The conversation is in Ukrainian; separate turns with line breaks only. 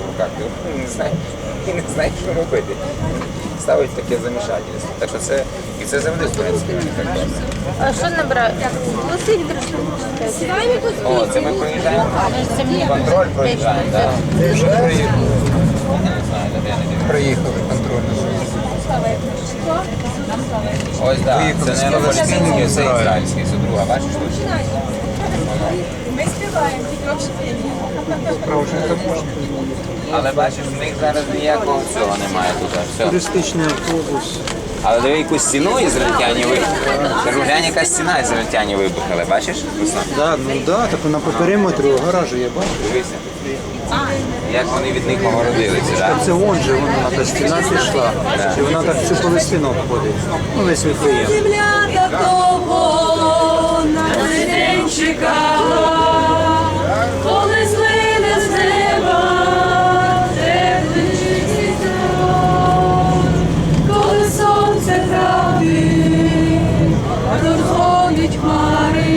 в руках, і не знає, що робити. Ставить таке замішательство. Так що це, і це завжди, в принципі, мені так добре.
А що набирати? Лосить трошки.
О, це ми проїжджаємо.
Це мені
Контроль проїжджаємо, так.
Вже
Я не знаю, де я не дивлюсь.
приїхали контрольну зону.
Ось так, це не палестинський, це ізраїльський, це друга, бачиш тут?
Ми співаємо, тільки общепіння.
Справжня таможня.
Але бачиш, в них зараз ніякого цього немає тут. Все.
Туристичний автобус.
Але диви, якусь стіну ізраїльтяні вибухали. Кажу, глянь, яка стіна ізраїльтяні вибухали, бачиш, Руслан?
Да, ну да, так вона по периметру гаражу я бачу.
Дивися. Як вони від них огородилися, так?
Це вон же вона та стіна пішла. І вона так всю Палестину обходить. Ну, весь Вифлеєм.
Земля такого на день чекала, коли злине з неба теплий вітер, коли сонце правди розгонить хмари.